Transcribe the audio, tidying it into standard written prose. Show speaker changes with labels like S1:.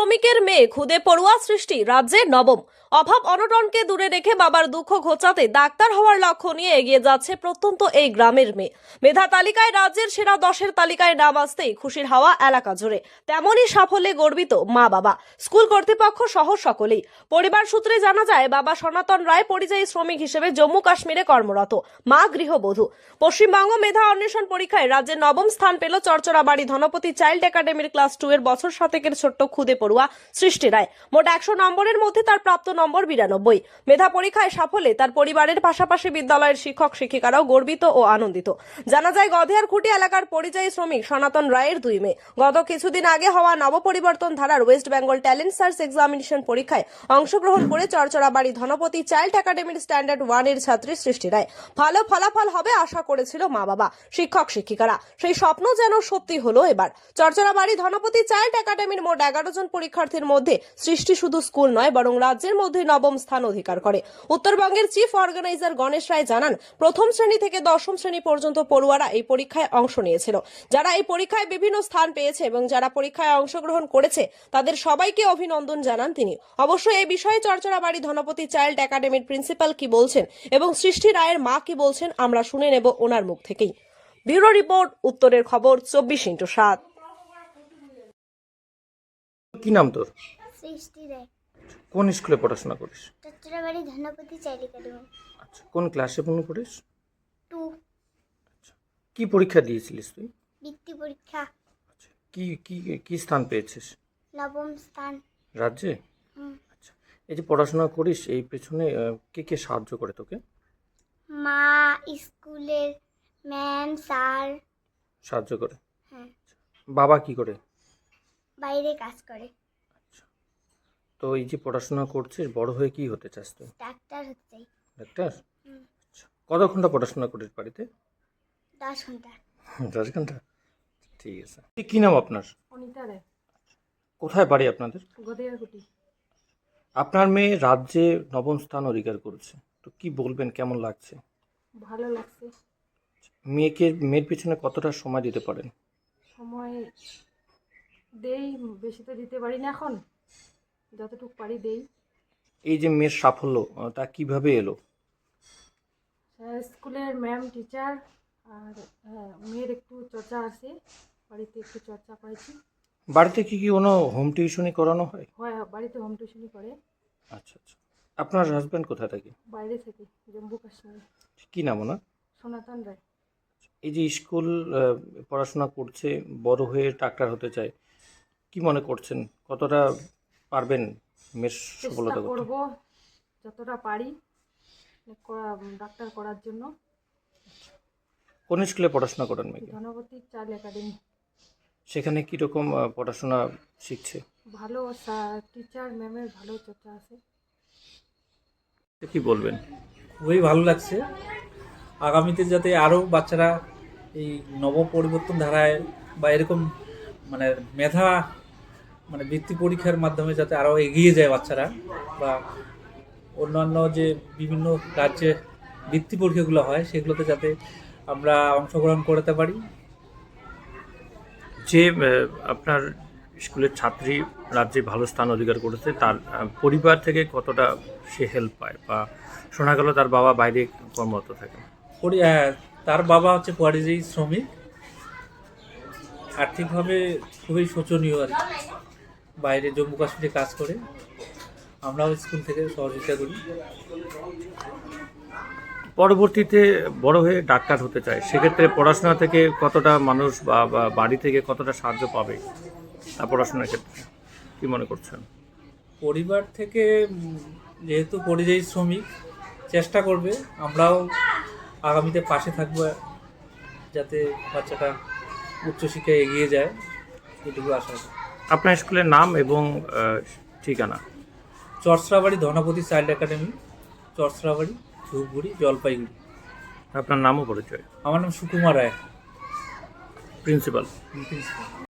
S1: শ্রমিকের মেয়ে খুদে পড়ুয়া সৃষ্টি রাজ্যে নবম। অভাব অনটনকে দূরে রেখে বাবার দুঃখ ঘোচাতে ডাক্তার হওয়ার লক্ষ্য নিয়ে এগিয়ে যাচ্ছে প্রত্যন্ত এই গ্রামের মেয়ে। মেধা তালিকায় রাজ্যের সেরা 10-এর তালিকায় নাম আসতেই খুশির হাওয়া এলাকা জুড়ে। তেমনই সাফল্যে গর্বিত মা বাবা, স্কুল কর্তৃপক্ষ সহ সকলেই। পরিবার সূত্রে জানা যায়, বাবা সনাতন রায় পরিযায়ী শ্রমিক হিসেবে জম্মু কাশ্মীরে কর্মরত, মা গৃহবধূ। পশ্চিমবঙ্গ মেধা অন্বেষণ পরীক্ষায় রাজ্যে নবম স্থান পেল চরচরাবাড়ি ধনপতি চাইল্ড একাডেমির ক্লাস 2 এর বছর 7 ছোট্ট খুদে পড়ুয়া সৃষ্টি রায়। মোট 100 নম্বরের মধ্যে তার প্রাপ্ত নম্বর 92। মেধা পরীক্ষায় সাফল্যে তার পরিবারের পাশাপাশি বিদ্যালয়ের শিক্ষক শিক্ষিকারাও গর্বিত ও আনন্দিত। জানা যায়, গধেয়ারখুঁটি এলাকার পরিযায়ী শ্রমিক সনাতন রায়ের 2 মেয়ে। গত কিছুদিন আগে হওয়া নবপরিবর্তন ধারার West Bengal talent search examination পরীক্ষায় অংশগ্রহণ করে চরচরাবাড়ি ধনপতি চাইল্ড একাডেমির স্ট্যান্ডার্ড 1 এর ছাত্রী সৃষ্টি রায়। ভালো ফলাফল হবে আশা করেছিল মা বাবা, শিক্ষক শিক্ষিকারা। সেই স্বপ্ন যেন সত্যি হলো এবার। চরচরাবাড়ি ধনপতি চাইল্ড একাডেমির মোট 11 জন পরীক্ষার্থীর মধ্যে সৃষ্টি শুধু স্কুল নয়, বরং রাজ্যের মধ্যে নবম স্থান অধিকার করে। উত্তরবঙ্গের চিফ অর্গানাইজার গণেশ রায় জানান, প্রথম শ্রেণী থেকে দশম শ্রেণী পর্যন্ত পড়ুয়ারা এই পরীক্ষায় অংশ নিয়েছিল। যারা এই পরীক্ষায় বিভিন্ন স্থান পেয়েছে এবং যারা পরীক্ষায় অংশগ্রহণ করেছে তাদের সবাইকে অভিনন্দন জানান তিনি। অবশ্য এই বিষয়ে চরচরাবাড়ি ধনপতি চাইল্ড একাডেমির প্রিন্সিপাল কি বলছেন এবং সৃষ্টি রায়ের মা কি বলছেন আমরা শুনে নেব ওনার মুখ থেকেই। ব্যুরো রিপোর্ট, উত্তরের খবর, 24x7।
S2: কি নাম তোর?
S3: সৃষ্টি রায়।
S2: কোন স্কুলে পড়াশোনা করিস?
S3: চট্টগ্রামের ধনপতি চাইল্ড একাডেমি।
S2: আচ্ছা, কোন ক্লাসে পড়িস?
S3: 2।
S2: আচ্ছা, কি পরীক্ষা দিয়েছিলিস তুই?
S3: বৃত্তি পরীক্ষা।
S2: আচ্ছা, কি কি কি স্থান পেয়েছিস?
S3: নবম স্থান।
S2: রাজ্যে?
S3: হুম।
S2: আচ্ছা, এই যে পড়াশোনা করিস, এই পেছনে কে কে সাহায্য করে তোকে?
S3: মা, স্কুলের ম্যাম, স্যার।
S2: সাহায্য করে?
S3: হ্যাঁ।
S2: বাবা কি করে?
S3: বাইরে কাজ করে।
S2: আচ্ছা, তো এই যে পড়াশোনা করছিস, বড় হয়ে কি হতে চাস তুই?
S3: ডাক্তার হচ্ছে।
S2: ডাক্তার?
S3: হুম।
S2: আচ্ছা, কত ঘন্টা পড়াশোনা করিস বাড়িতে?
S3: 10 ঘন্টা।
S2: 10 ঘন্টা? ঠিক আছে। কি নাম আপনার?
S1: অনিতা রায়,
S2: কোথায় বাড়ি আপনাদের?
S1: গধেয়ারখুঁটি।
S2: আপনার মেয়ে রাজ্যে নবম স্থান অধিকার করেছে, তো কি বলবেন, কেমন লাগছে?
S1: ভালো লাগছে।
S2: মেয়ের পিছনে কতটা সময় দিতে পারেন?
S1: সময় দেই, বেশি তো দিতে পারি না এখন, যতটুকু পারি দেই।
S2: এই যে মেয়ের সাফল্য, তা কিভাবে এলো?
S1: স্কুলের ম্যাম, টিচার আর মেয়ের একটু চর্চা আছে, বাড়িতে একটু চর্চা করেছি।
S2: বাড়িতে কি কোনো হোম টিউশনি করানো হয়?
S1: হয়, বাড়িতে হোম টিউশনই করে।
S2: আচ্ছা আচ্ছা। আপনার হাজব্যান্ড কোথায় থাকে?
S1: বাইরে থেকে, জম্মু কাশ্মীর।
S2: কি নাম ওনার?
S1: সনাতন রায়।
S2: এই যে স্কুল পড়াশোনা করছে, বড় হয়ে ডাক্তার হতে চায়, কি মনে করছেন, কতটা পারবেন মেয়ের
S1: চেষ্টা
S2: সফলতা করতে?
S1: করব যতটা পারি ডাক্তার করার জন্য।
S2: কোন স্কুলে পড়াশোনা করেন মেয়েকে?
S1: Dhanapati child academy.
S2: সেখানে কীরকম পড়াশোনা শিখছে?
S1: ভালো টিচার ম্যামের ভালো চর্চা আছে।
S2: কি বলবেন?
S4: খুবই ভালো লাগছে। আগামীতে যাতে আরও বাচ্চারা এই নব পরিবর্তন ধারায় বা এরকম মানে মেধা বৃত্তি পরীক্ষার মাধ্যমে যাতে আরও এগিয়ে যায় বাচ্চারা, বা অন্যান্য যে বিভিন্ন রাজ্যে বৃত্তি পরীক্ষাগুলো হয় সেগুলোতে যাতে আমরা অংশগ্রহণ করতে পারি।
S2: যে আপনার স্কুলের ছাত্রী রাজ্যে ভালো স্থান অধিকার করেছে, তার পরিবার থেকে কতটা সে হেল্প পায়, বা শোনা গেল তার বাবা বাইরে কর্মরত থাকে?
S4: তার বাবা হচ্ছে পরিযায়ী শ্রমিক, আর্থিকভাবে খুবই শোচনীয় আর কি। বাইরে জম্মু কাশ্মীরে কাজ করে, আমরাও স্কুল থেকে সহযোগিতা করি।
S2: পরবর্তীতে বড় হয়ে ডাক্তার হতে চায়, সেক্ষেত্রে পড়াশোনা থেকে কতটা মানুষ বা বাড়ি থেকে কতটা সাহায্য পাবে তার পড়াশোনার ক্ষেত্রে, কি মনে করছেন?
S4: পরিবার থেকে যেহেতু পরিযায়ী শ্রমিক, চেষ্টা করবে, আমরাও আগামীতে পাশে থাকবো যাতে বাচ্চাটা উচ্চশিক্ষায় এগিয়ে যায়, এটুকু আশা করি।
S2: আপনার স্কুলের নাম এবং ঠিকানা?
S4: Charcharabari Dhanapati child academy, Charcharabari, Dhupguri, Jalpaiguri.
S2: আপনার নামও পরিচয়?
S4: আমার নাম সুকুমার রায়,
S2: প্রিন্সিপাল।
S4: প্রিন্সিপাল।